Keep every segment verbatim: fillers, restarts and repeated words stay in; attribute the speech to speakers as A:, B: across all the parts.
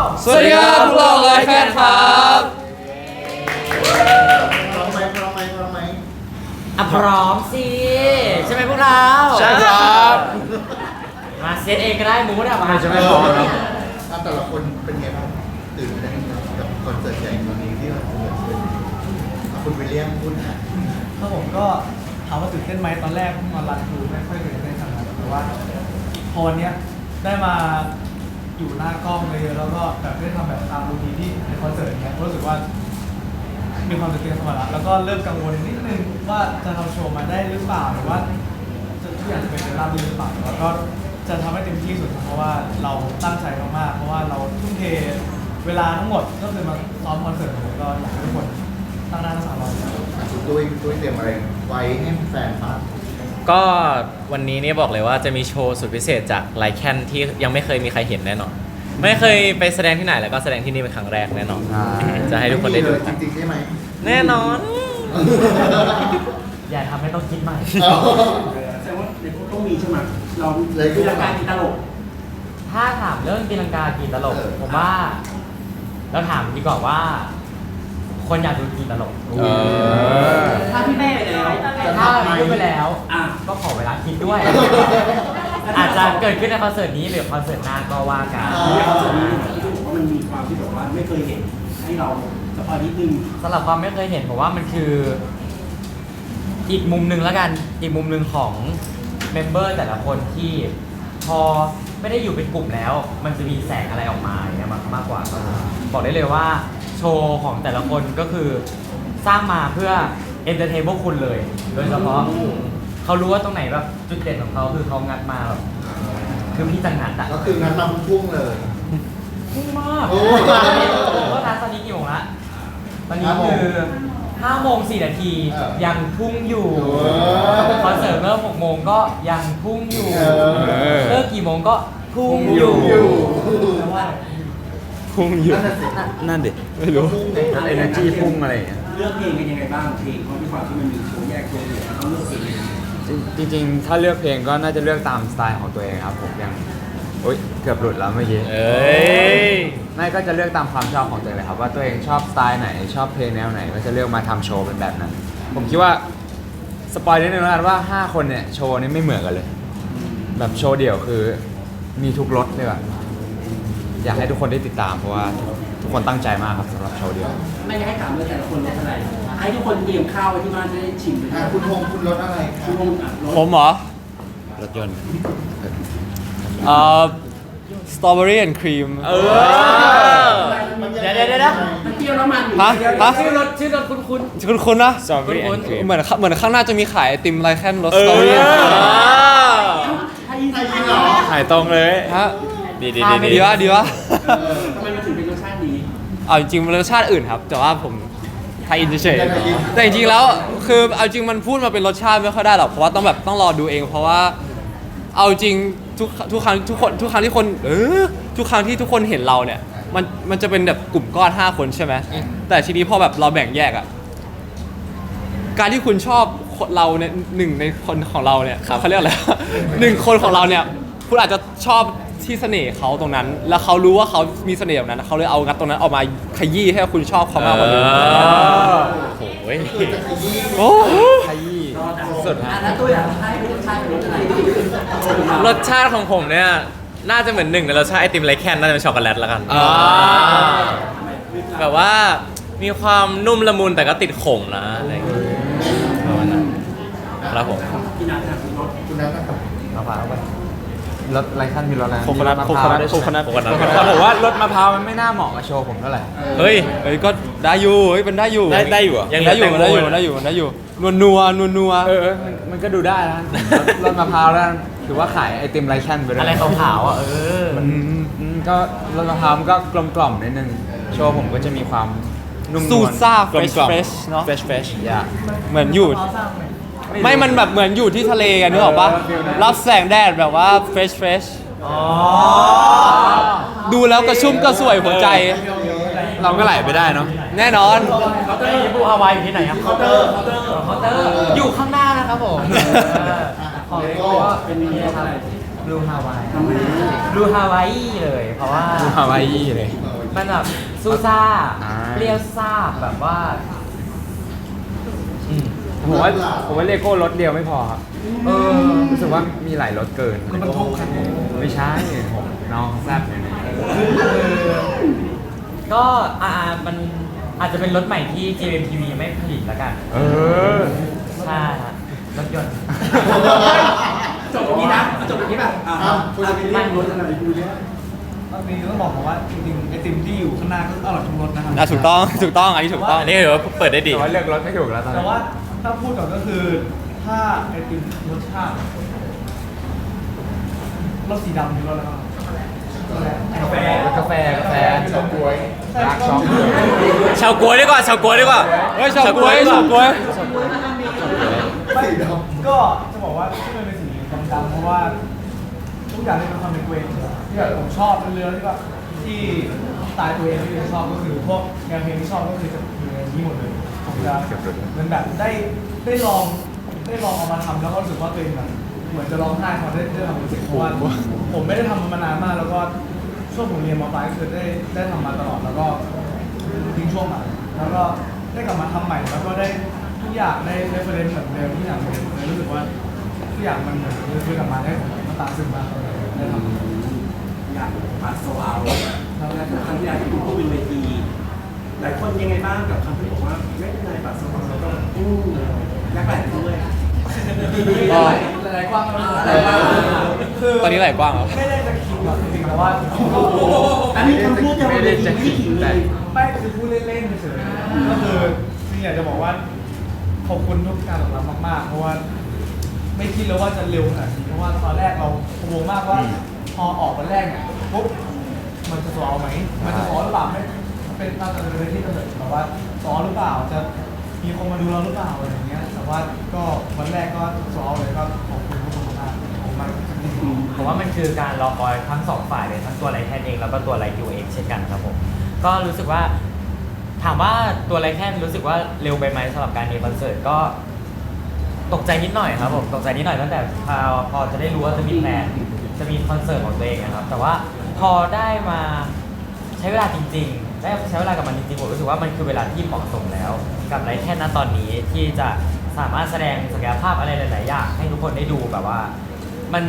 A: สวัสดีครับพวกเราไลฟ์แคนครับ
B: พร้อมไหมพร้อมไหมพร้อมไหม
C: อ่ะพร้อมสิใช่ไหมพวกเรา
A: ใช่ครับ
C: มาเซตเองก็ได้มูดอะมา
A: จะไม่พร้อมครับ
B: อ่ะแต่ละคนเป็นไงบ้างตื่นเต้นกับคอนเสิร์ตใหญ่ครั้งนี้ที่เราจะเกิดขึ้นอ่ะคุณวิลเลียมพูดนะ
D: ครับผมก็ถามว่าตื่นเต้นไหมตอนแรกมารันทูไม่ค่อยตื่นเต้นขนาดนั้นแต่ว่าพอวันเนี้ยได้มาอยู่หน้ากล้องเลยแล้วก็แบบได้ทำแบบตามรูทีนที่ในคอนเสิร์ตเนี้ยรู้สึกว่ามีความตื่นเต้นเข้ามาแล้วแล้วก็เริ่มกังวลนิดนึงว่าจะทำโชว์มาได้หรือเปล่าหรือว่าจะทุกอย่างจะเป็นไปราบรื่นหรือเปล่าแล้วก็จะทำให้เต็มที่สุดเพราะว่าเราตั้งใจมากๆเพราะว่าเราทุ่มเทเวลาทั้งหมดก็คือมาซ้อมคอนเสิร์ตเลยก็อยากให้ทุกคนตั้งหน้าตั้งตารออยู่
B: อ่ะคุณตุ้ยคุณตุ้ยเตรียมอะไรไว้ให้แฟนฟัง
A: ก็วันนี้เนี่ยบอกเลยว่าจะมีโชว์สุดพิเศษจากไลแคนที่ยังไม่เคยมีใครเห็นแน่นอน ไม่เคยไปแสดงที่ไหนแล้วก็แสดงที่นี่เป็นครั้งแรกแน่นอน จะให้ทุกคนได้ดู
B: จริงๆใช่ไหม
A: แน่นอน
C: อย่าทำให้ต้องคิดใหม่
B: เอา
E: แสดงว่าในพวกต้องมีใช่ไหมเรา
B: เลย
E: คือรายการกีตลก
C: ถ้าถามเรื่องตีลังกากี่ตลก
B: เออ
C: ผมว่าเราถามดีกว่าว่า คนอยากดูกี่ตลก
A: เออ
E: ถ้าพี่แม่ไปแล้ว
C: ถ้าพูดไปแล้ว
E: อ่ะ
C: ก็ขอเวลาคิดด้วย อาจจะเกิดขึ้นในคอนเสิร์ตนี้หรือคอนเสิร์ตหน้าก็ว่ากัน
E: ในคอนเสิร์ตนี้ที่บอกว่ามันมีความที่แบบว่าไม่เคยเห็นให้เราสปอยนิดนึง
C: สำหรับความไม่เคยเห็นผมว่ามันคือ อีกมุมหนึ่งแล้วกัน อีกมุมหนึ่งของเมมเบอร์แต่ละคนที่พอไม่ได้อยู่เป็นกลุ่มแล้ว มันจะมีแสงอะไรออกมาอย่างเงี้ยมากมากกว่าครับบอกได้เลยว่าโชว์ของแต่ละคนก็คือสร้างมาเพื่อเอนเตอร์เทนพวกคุณเลย โดยเฉพาะเขารู้ว่าตรงไหนแบบจุดเด่นของเขาคือเขางัดมาแบบคือพี่จังงัดอะ
B: ก็คืองั้นมาพุ่งเลย
C: พุ่งมาก
B: โอ้
C: ก็ทัตอนนี้กี่โมงละตอนนี้
B: ห้าโมง
C: คือห้าโมงสี่นาที
B: เออ
C: ยังพุ่งอยู่
B: เออ
C: คอนเสิร์ตเริ่มหกโมงก็ยังพุ่งอยู่
B: เออ
C: เลิกกี่โมงก็พุ่งอ
B: อยู่ ยู่
C: แต่ว่า
A: พุ่งอยู่
B: นั่นน่ะสิ
A: นั่นดิไม่รู้
B: พุ่งไง
A: เอเนอร์จีพุ่งอะไรอย่างเงี้ย
E: เลือกเพลงกันยังไงบ้างเพลงเขาที่ความที่มันมีโชว์แยกตัวอยู่แล้วต้องเลือกเพลงยังไง
F: จริงๆ ถ้าเลือกเพลงก็น่าจะเลือกตามสไตล์ของตัวเองครับผมอย่างโอ๊ยเกือบหลุดแล้วเมื่อกี้
A: เอ้ย
F: ไม่ก็จะเลือกตามความชอบของตัวเองเลยครับว่าตัวเองชอบสไตล์ไหนชอบเพลงแนวไหนก็จะเลือกมาทำโชว์เป็นแบบนั้น ผมคิดว่าสปอยนิดนึงแล้วกันว่าห้าคนเนี่ยโชว์นี่ไม่เหมือนกันเลย แบบโชว์เดี่ยวคือมีทุกรสเลยแบบอยากให้ทุกคนได้ติดตามเพราะว่าทุกคนตั้งใจมากครับสำหรับโชว์เดี่ยว
E: ไม่ได้ให้ถามเลยแต่ละคนรสอะไรให้ทุกคนเตรียมข้าวไว้ที่บ้านจะได้ชิมไป
B: อ่ะคุณพงษ์คุณรถอะไรครั
E: คุ
B: บ
E: ณพงษ์อ่ะรส
G: ผมเหรอ
A: รถยนต์
G: เอ่อสตรอเบอรี่แอนด์ครีม
A: เออ
C: เดี๋ยวเดี๋ยวเดี๋ยวนะ
E: มันเปรี้ยวแล้วมัน
G: ฮะฮะ
C: ชื่อรถชื่อรถคุณคุณ
G: คุณคุณนะ
A: สตรอเบอรี่แอนด์ครีม
G: เหมือนเหมือนข้างหน้าจะมีขายไอติมไรแคนรส
A: เอ
G: สตรอเบอรี่
A: อ
E: ถ้ายิน
B: ใครยิงเหรอ
A: ถ่ายตรงเลย
G: ฮะ
A: ดีดี
G: ดี
A: ดี
G: ดีวะดีวะ
E: ทำไมมันถึงเป็นรสชาตินี้
G: เอาจริงๆมันรสชาติอื่นครับ แต่ว่าผมไทยอินเฉยๆแต่จริงๆแล้วคือเอาจริงมันพูดมาเป็นรสชาติไม่ค่อยได้หรอกเพราะว่าต้องแบบต้องรอดูเอง เพราะว่าเอาจริงทุกทุกครั้งทุกคนทุกครั้งที่คนเออทุกครั้งที่ทุกคนเห็นเราเนี่ยมันมันจะเป็นแบบกลุ่มก้อนห้าคนใช่ไหมแต่ทีนี้พอแบบเราแบ่งแยกอะการที่คุณชอบเราเนี่ยหนึ่งในคนของเราเนี่ยเขาเรียกอะไร หนึ่งคนของเราเนี่ยคุณอาจจะชอบที่เสน่ห์เขาตรงนั้น แล้วเขารู้ว่าเขามีเสน่ห์แบบนั้นเขาเลยเอางัดตรงนั้นออกมาขยี้ให้คุณชอบเขามากกว่านี้
A: โอ้ย
G: โอ้
F: ขยี้
E: สุดอ่ะแล้วตัวอย่างให้รสชาติเป็นรสอะไร
A: รสชาติของผมเนี่ย น่าจะเหมือนหนึ่งในรสชาติไอติมไรแคนน่าจะเป็นช็อกโกแลตแล้วกัน
G: อ่า
A: แบบว่ามีความนุ่มละมุนแต่ก็ติดขมนะอะไรอย่างเงี้ยประมาณนั้นครับผม
E: ที่นัดนะรส
B: คุณนัทนะครับ
F: เอาผ่านเข้าไปรสไรขั้นมีรสอะไร
G: โคโคนัท
F: มีรส
G: โค
F: มะ
G: โค
F: พร้าว
G: นัท
F: ด้วย
G: โคโคนัท
A: โคโคนัท
F: แต่ผมว่ารสมะพร้าวมันไม่น่าเหมาะกับโชว์ผมเท่าไหร่
A: เฮ้ย
G: เอ้ยก็ได้อยู่เฮ้ยมันได้อยู่
A: ได้ได้อยู่เหรอ
G: ยังได้อยู่ได้อยู่ได้อยู่ได้อยู่นัวนัวนัวนัว
F: เออเออมันมันก็ดูได้นะรสมะพร้าวแล้วถือว่าขายไอติมไรแคนไปเลย
C: อะไรขาวๆอ่ะเออ
F: มันอืมก็รสมะพร้าวมันก็กลมกล่อมนิดนึงโชว์ผมก็จะมีความนุ่มนวล
G: สูตรซ่าก
A: ลม
G: เฟช
A: กล่อม
G: เฟชเนาะ
A: เฟชเฟช
F: อย่า
G: เหมือนอยู่ ไม่มันแบบเหมือนอยู่ที่ทะเลกันนึกออกปะ
F: เออฟิลนั้น
G: รับแสงแดดแบบว่าเฟชเฟชดูแล้วกระชุ่มกระสวยหัวใจ
F: เราก็ไหลไปได้เนาะ
G: แน่นอน
C: เคาน์เตอร์บูฮาวายอยู่ที่ไหนครับเคาน์เตอร์เคาน์เตอร์เคาน์เตอร์อยู่ข้างหน้านะครับผมของก็เป็นนี่ครับบลูฮาวาย
E: ทำไม
C: บลูฮาวายเลยเพราะว่า
F: ฮาวายเลย
B: เอาไว้
C: มันแบบซูซ่า
F: อ่า
C: เปรี้ยวซ่าแบบว่าอืม
F: ผมว่าผมว่าเลโก้รถเดียวไม่พอครับ
C: เออ
F: รู้สึกว่ามีหลายรถเกิน
D: มันบรรทุกครับ
F: ไม่ใช่ผมน้องแซ่บอยู่นะ
C: ก็อ่ามันอาจจะเป็นรถใหม่ที่ เจ เอ็ม ที วี ไม่ผลิตแล้วกัน
F: เออ
C: ใช่ฮะรถยนต์
E: จบตรงนี้นะจบตรงนี้ป่ะอ่า
B: ครับ
E: คุณจะไปเรียกรถอะไรคุณเรียก
D: ตอนนี้ต้องบอกก่อนว่าจริงๆไอติมที่อยู่ข้างหน้าก็อร่อยทุกรสนะครับ
G: อ่ะถูกต้องถูกต้องอันนี้ถูกต้อง
A: อันนี้ถือว่าเปิดได้ดี
F: แต่ว่าเลือกรถไม่ถูกแล้วตอน
D: แต่
F: นี้
D: ว่าถ้าพูดก่อนก็คือถ้าไอติมรสชาติรสสีดำนี่รสอะไรบ้างกาแฟ
F: กาแฟกาแฟ
B: ชอบกล้วย
F: รักช็อก
A: ชาวกล้วยดีกว่าชาวกล้วยดีกว่า
G: เฮ้ยชาวกล้วยชาวกล้วย
B: สีด
D: ก็จะบอกว่าที่มันเป็นสีดำๆเพราะว่าทุกอย่างที่เป็นความเป็นตัวเองที่แบบผมชอบเรือที่ว่าที่สไตล์ตัวเองที่ผมชอบก็คือพวกแนวเพลงที่ชอบก็คือจะอยู่ในนี้หมดเลยผมจะเหมันแบบได้ได้ลองได้ลองเอามาทำแล้วก็รู้สึกว่าตัวเองแบบเหมือนจะร้องไห้พอได้ได้ทำจริงๆเพราะว่าผมไม่ได้ทำมันมานานมากแล้วก็ช่วงผมเรียนมปลายก็คือได้ได้ทำมาตลอดแล้วก็ทิ้งช่วงมาแล้วก็ได้กลับมาทำใหม่แล้วก็ได้ทุกอย่างได้ได้ประเด็นเหมือนเดิมทุกอย่างเหมือนเดิมเลยรู้สึกว่าทุกอย่างมันเหมือนคือกลับมาได้ผมมันตามซึมมากเลยได้ทำ
E: อยากมาโซเอาแล้วครั้งที่แล้วที่คุณพูดเป็นเวทีหลายคนยังไงบ้างกับคำที่บอกว่าไม่เป็นไรบัตรโซเอาเราก็อู้แลกแปลกด้วย
G: ก็
D: หลายๆกว้างแล้ว
E: หลายกว้าง
D: คือ
G: ตอนนี้ไหลกว้างเหรอ
D: ไม่ได้จะคิดหรอกจริงๆแต่ว่า
E: อันนี้คำพูดจะ
F: ไม่ได้จะขิงแต่
D: ไม่คือพูดเล่นๆเฉยๆก็คือจริงๆอยากจะบอกว่าขอบคุณทุกการตอบรับมากๆ เพราะว่าไม่คิดเลยว่าจะเร็วขนาดนี้เพราะว่าตอนแรกเรากังวลมากว่าพอออกวันแรกเนี่ยปุ๊บมันจะสอไหมมันจะสอหรือเปล่าไม่เป็นน่าจะเป็นที่กำเนิดแบบว่าสอหรือเปล่าจะมีคนมาดูเราหรือเปล่าอะไรอย่างเงี้ยแต่ว่าก็วันแรกก็สอเลยก็ขอบคุณทุกคนมากๆขอบคุณมากจริงๆ
C: ผมว่ามันคือการรอคอยทั้งสองฝ่ายเลยทั้งตัวไลแคนเองแล้วก็ตัวไลคิวเองเช่นกันครับผมก็รู้สึกว่าถามว่าตัวไลแคนรู้สึกว่าเร็วไปไหมสำหรับการมีคอนเสิร์ตก็ตกใจนิดหน่อยครับผมตกใจนิดหน่อยตั้งแต่พอพอจะได้รู้ว่าจะมีแพลนจะมีคอนเสิร์ตของตัวเองนะครับแต่ว่าพอได้มาใช้เวลาจริงๆได้ใช้เวลากับมันจริงๆผมรู้สึกว่ามันคือเวลาที่เหมาะสมแล้ว กับไลแคนณตอนนี้ที่จะสามารถแสดงศักยภาพอะไรหลายๆอย่างให้ทุกคนได้ดูแบบว่ามัน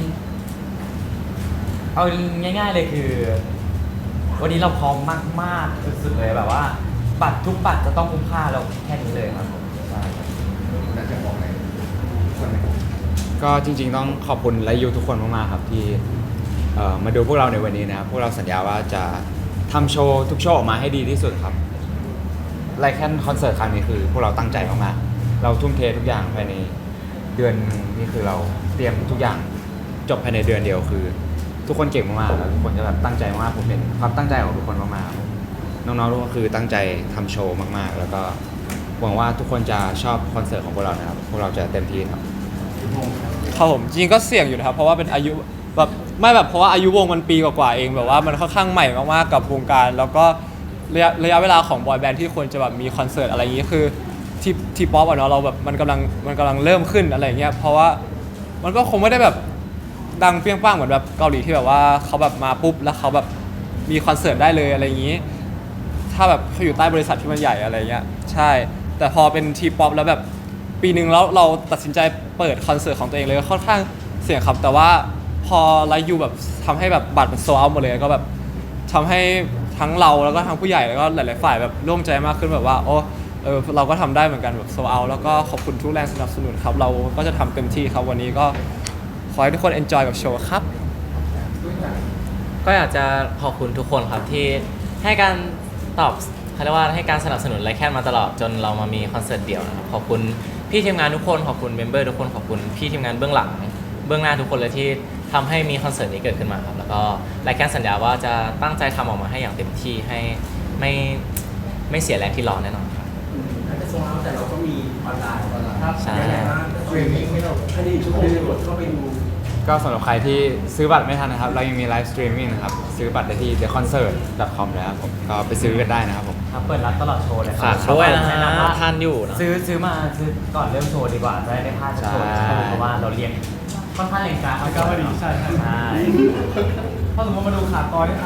C: เอาง่ายๆเลยคือ วันนี้เราพร้อมมากๆสุดๆเลยแบบว่าบัตรทุกบัตรจะต้องคุ้มค่าเราแค่นี้เลยครับผมใช่ครับ
B: ำน่าจะบอกอะไรคนไหน
F: ก็จริงๆต้องขอบคุณและยูทุกคนมากๆครับที่เอ่อมาดูพวกเราในวันนี้นะครับพวกเราสัญญาว่าจะทำโชว์ทุกโชว์ออกมาให้ดีที่สุดครับไลแคนคอนเสิร์ตครั้งนี้คือพวกเราตั้งใจมากๆเราทุ่มเททุกอย่างภายในเดือนหนึ่งนี่คือเราเตรียมทุกอย่างจบภายในเดือนเดียวคือ ทุกคนเก่งมากๆแล้วทุกคนจะแบบตั้งใจมากผมเห็นความตั้งใจของทุกคนมากๆครับน้องๆทุกคนคือตั้งใจทำโชว์มากๆ แล้วก็หวังว่าทุกคนจะชอบคอนเสิร์ตของพวกเรานะครับพวกเราจะเต็มที่ครับ
G: ครับผมจริงๆก็เสี่ยงอยู่นะครับเพราะว่าเป็นอายุแบบไม่แบบเพราะว่าอายุวงมันปีกว่าๆเองแบบว่ามันค่อนข้างใหม่มากๆกับวงการ แล้วก็ระยะระยะเวลาของบอยแบนด์ที่ควรจะแบบมีคอนเสิร์ตอะไรอย่างนี้คือที่ที่ป๊อปอะเนาะเราแบบมันกำลังมันกำลังเริ่มขึ้นอะไรอย่างเงี้ยเพราะว่ามันก็คงไม่ได้แบบดังเปรี้ยงป้างเหมือนแบบเกาหลีที่แบบว่าเขาแบบมาปุ๊บแล้วเขาแบบมีคอนเสิร์ตได้เลยอะไรอย่างนี้ ถ้าแบบเขาอยู่ใต้บริษัทที่มันใหญ่อะไรเงี้ยใช่แต่พอเป็นทีป๊อปแล้วแบบปีหนึ่งแล้วเราตัดสินใจเปิดคอนเสิร์ตของตัวเองเลยค่อนข้างเสี่ยงครับแต่ว่าพอไลฟ์ยูแบบทำให้แบบบัตรมันโซลเอาท์หมดเลยก็แบบทำให้ทั้งเราแล้วก็ทั้งผู้ใหญ่แล้วก็หลายๆฝ่ายแบบร่วมใจมากขึ้นแบบว่าโอ้เออเราก็ทำได้เหมือนกันแบบโซลเอาท์แล้วก็ขอบคุณทุกแรงสนับสนุนครับเราก็จะทำเต็มที่ครับวันนี้ก็ขอให้ทุกคน enjoy กับโชว์ครับ
A: ก็อยากจะขอบคุณทุกคนครับที่ให้การตอบเขาเรียกว่าให้การสนับสนุนไลแคนมาตลอดจนเรามามีคอนเสิร์ตเดี่ยวนะครับขอบคุณพี่ทีมงานทุกคนขอบคุณเมมเบอร์ทุกคนขอบคุณพี่ทีมงานเบื้องหลังเบื้องหน้าทุกคนเลยที่ทำให้มีคอนเสิร์ตนี้เกิดขึ้นมาครับแล้วก็ไลแคนสัญญาว่าจะตั้งใจทำออกมาให้อย่างเต็มที่ให้ไม่ไม่เสียแรงที่รอแน่นอนครับ
E: อาจจะโซเอาแต่เราก็มีออนไลน์
D: ครับ
A: ใช่
E: ยังไงบ้าง
B: สตรีมมิ่งให้เรา
E: คดีชั่วโมงกดเข้าไปดู
F: ก็สำหรับใครที่ซื้อบัตรไม่ทันนะครับ เรายังมีไลฟ์สตรีมมิ่งนะครับ ซื้อบัตรได้ที่ เดอะคอนเสิร์ต ดอท คอม แล้วครับผมก็ไปซื้อกันได้นะครับผม
C: ครับเปิดรับตลอดโชว์เลยครั
A: ฝากด้วยนะ
C: แนะ
A: ฮะ
C: นำว่า
A: ทันอยู่นะ
C: ซื้อซื้อมาซื้อก่อนเริ่มโชว์ดีกว่าจะได้ไม่พลาดโชว์
F: ใช่
C: เพราะว่าเราเรียนค่อนข้างเรียนกราฟ
D: มันก็พอดีใช่ใช่
C: ใช่
D: ถ้าสมมติมาดูขาดตอนนี่อ่ะ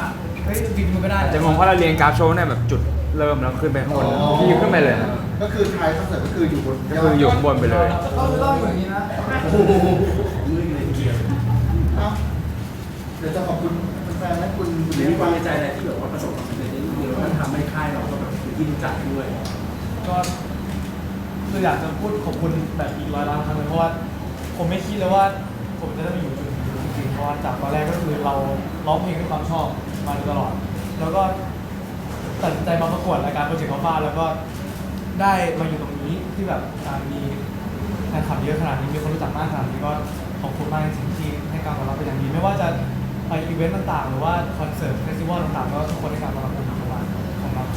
D: เฮ้ยบินมันไม่ได้
F: อาจจะงงเพราะเราเรียงกราฟโชว์เนี่ยแบบจุดเริ่มแล้วขึ้นไปข้างบนพี่ขึ้นไปเลยนะ
B: ก็คือท้ายคอนเสิร์ตก็คืออยู่บน
F: ก็คืออยู่ข้างบนไปเลย
D: ต้องต้องอยู่อย่างนี้นะ
B: โอ้โหเอ้าเดี๋ยวจะขอบคุณแฟนๆและคุณคุณ
E: หรื
B: เลี้
E: อย
B: ง
E: มีความ
B: ฟัง
E: ในใจอะไรที่แบบว่าประสบความสำเร็จในเรื่องนี้แล้วมันทำให้ค่ายเราก็แบบเป็นที่รู้จักด้วย
D: ก็คืออยากจะพูดขอบคุณแบบอีกร้อยล้านครั้งเลยเพราะว่าผมไม่คิดเลยว่าผมจะได้มาอยู่จุดนี้จริงๆเพราะว่าจากตอนแรกก็คือเราร้องเพลงด้วยความชอบมาโดยตลอด แล้วก็ตัดสินใจมาประกวดรายการโปรเจกต์ข้าวฟ้าแล้วก็ได้มาอยู่ตรงนี้ที่แบบอ่ามีแฟนคลับเยอะขนาดนี้มีคนรู้จักมากขนาดนี้ก็ขอบคุณมากจริงๆที่ให้การต้อนรับเป็นอย่างดีไม่ว่าจะไปอีเวนต์ต่างๆ หรือว่าคอนเสิร์ตเฟสติวัลต่างๆก็ทุกคนให้การต้อนรับเป็นอย่างดีมากของเรา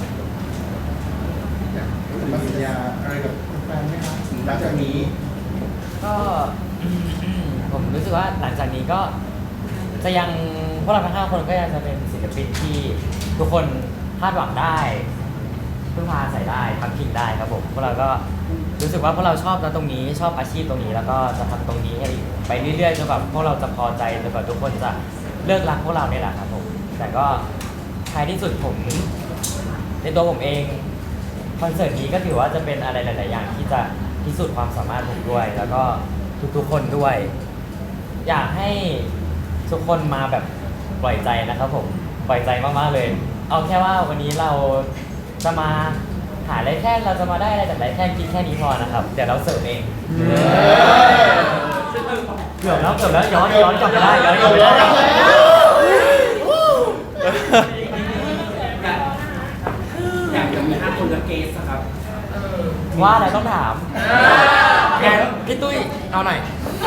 B: มาสัญญาอะไรกับแฟนๆไหมครับหลังจากนี้
C: ก็ผมรู้สึกว่าหลังจากนี้ก็จะยังพวกเราทั้งห้าคนก็ยังจะเป็นศิลปินที่ทุกคนคาดหวังได้พึ่งพาอาศัยได้พักพิงได้ครับผมพวกเราก็รู้สึกว่าพวกเราชอบนะตรงนี้ชอบอาชีพตรงนี้ แล้วก็จะทำตรงนี้ให้ไปเรื่อยๆจนแบบพวกเราจะพอใจจนแบบทุกคนจะเลิกรักพวกเราเนี่ยแหละครับผมแต่ก็ท้ายที่สุดผมในตัวผมเองคอนเสิร์ตนี้ก็ถือว่าจะเป็นอะไรหลายๆอย่างที่จะพิสูจน์ความสามารถผมด้วย แล้วก็ทุกๆคนด้วย อยากให้ทุกคนมาแบบปล่อยใจนะครับผมปล่อยใจมากๆเลย เอาแค่ว่าวันนี้เราจะมาหาอะไรแค่เราจะมาได้อะไรจากไรแค่กินแค่นี้พอนะครับเดี๋ยวเราเสิร์ฟเองเกือบแล้วเกือบแล้วย้อนย้อนกลับไปได้ย้อนกลับไปได้
E: อยากจะมีห้าคนกับเกสอะครับ
C: ว่าอะไรต้องถามแกพี่ตุ้ยเอาหน่อย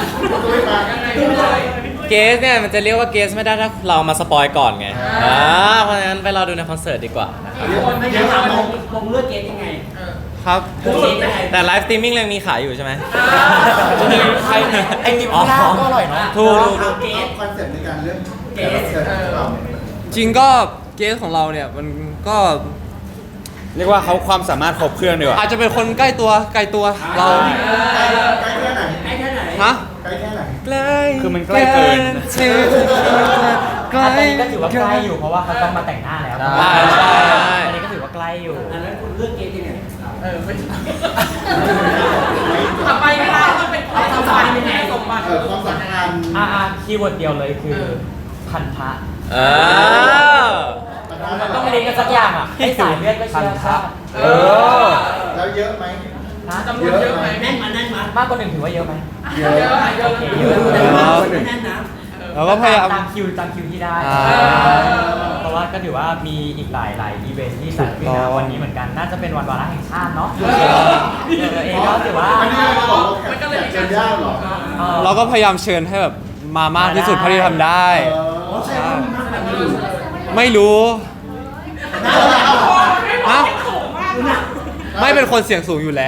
A: เกสเนี่ยมันจะเรียกว่าเกสไม่ได้ถ้าเรามาสปอยก่อนไงอ่าเพราะฉะนั้นไปรอดูในคอนเสิร์ตดีกว่านะครับ
E: ไม่ใช่ถามมองมองเลือกเกสยังไง
A: ครับ
E: เลือกเกสยังไง
A: แต่ไลฟ์สตรีมมิ่งยังมีขายอยู่ใช่ไหม
C: ใครไอ้กินข้าวหน้าก็อร่อยเนาะ
A: ถูกถูกถูก
E: เกส
B: คอนเซ็ปต์ในการเลือกแขกรับเชิญของเรา
G: จริงก็เกสของเราเนี่ยมันก็
F: เรียกว่าเขาความสามารถครบเครื่องดีกว่า
G: อาจจะเป็นคนใกล้ตัวไกลตัวเรา
B: ใกล้ใกล้แค่ไหน
E: ใกล้แค่ไหน
G: ฮะ
B: ใกล้แค่ไหน
A: ใกล้
F: คือมันใกล้เกิน
A: ถึงใกล้
C: อันนี้ก็ถือว่าใกล้อยู่เพราะว่าเขาต้องมาแต่งหน้าแล้ว
F: ใช่ใช่ใช่
C: อันนี้ก็ถือว่าใกล้อยู่
E: อันนั้นคุณเลือกเกสยังไง
H: ทำไมไม่ได้ต้องเป็นความสัมพันธ์ยังไงสมบัติ
B: เออความสัมพันธ์
C: อ่าคีย์เวิร์ดเดียวเลยคือพันธะ
A: เออ
C: มันต้องลิงก์กันสักอย่างอ่ะให้สายเลือดก็เชื่อชาติ
F: เออ
B: แล้วเยอะไหม
C: นะ
H: จำนวนเยอะไหม
E: แน่นมาแน่นมาม
C: ากกว่าหนึ่งถือว่าเยอะไหม
B: เยอะ
H: เยอะไหมเยอะ
C: โอเค
H: ไหม
C: เยอะ
E: แต่ว่าไม่แน่นนะ
G: เราก็พยายาม
C: ตามคิวตามคิวที่ได้
G: อ่า
C: เพราะว่าก็ถือว่ามีอีกหลายหลายอีเวนท์ที่จัดขึ้นนะวันนี้เหมือนกันน่าจะเป็นวันวาระแห่งชาติเนาะเออเองก็ถือว่า
B: อันนี้เราจะบอกว่าแขกเชิญยากเหรอ
C: เอ่อ
G: เราก็พยายามเชิญให้แบบมามากที่สุดเท่าที่ทำได้
B: เออ
E: อ๋อใช่ว่ามีมากกว่านี้อยู่
G: ไม่รู้ฮะไม่เป็นคนเสียงสูงอยู่แล้ว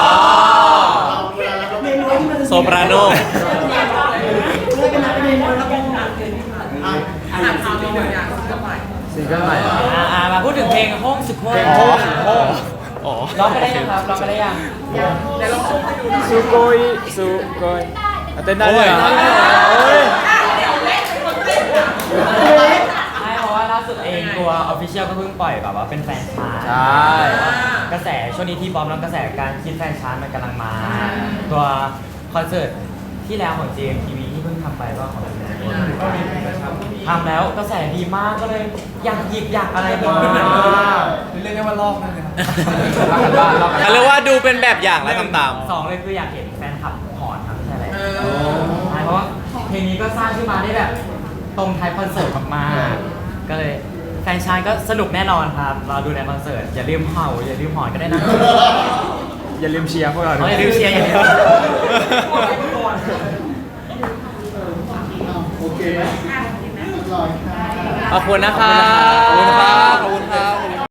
E: เมนูที่มันจะ
A: โซปราโน
E: เลือกกันนะเป็นเมนูแล้วก็อ่านเกมที่ผ่านมาอ่าน
H: อ่านข่าวมีตัวอย่างสักหน่อย
F: ซิงเกิลใหม่เหรอ
C: อ่าอ่ามาพูดถึงเพลงห้องสุดโคตร
F: อ๋อโอ้
G: อ๋อ
C: ร้องไปได้ยังครับร้องไปได้ยัง
H: เดี๋ยวลองชมให้ดูหน่อย
F: สุโกยสุโกยเต้นได้เลยเหรอโอ้ย
C: ใช่เพราะว่าล่าสุดเองตัว Official ก็เพิ่งปล่อยแบบว่าเป็นแฟนชาร์ต
F: ใช่
C: กระแสช่วงนี้ที่บอมแล้วกระแสการคิดแฟนชาร์ตมันกำลังมา ตัวคอนเสิร์ตที่แล้วของ เจ เอ็ม ที วี ที่เพิ่งทำไปก็ของทำแล้วกระแสดีมากก็เลยอยากหยิบอยากอะไรมา
D: เรียกได้ว่าลอกนั่นเลยครับ
F: รักกันบ้านรักกัน
A: เขาเรียกว่าดูเป็นแบบอย่างและทำตาม
C: สองเลยคืออยากเห็นแฟนคลับหอนครับใช่ไหมใช่เพราะว่าเพลงนี้ก็สร้างขึ้นมาได้แบบตรงท้ายคอนเสิร์ตมากๆก็เลยแฟนชายก็สนุกแน่นอนครับรอดูในคอนเสิร์ตอย่าลืมเห่าอย่าลืมหอนก็ได้นะ
F: อย่าลืมเชียร์พวกเราด้
C: อ๋
F: ว
C: อย อย่าลืมเชียร์อย่าลืม
B: โอเคไหมเรียบร้อยค่ะ
A: ขอบคุณนะครั
G: ขอบคุณครับ
A: บ
G: ขอบคุณครับ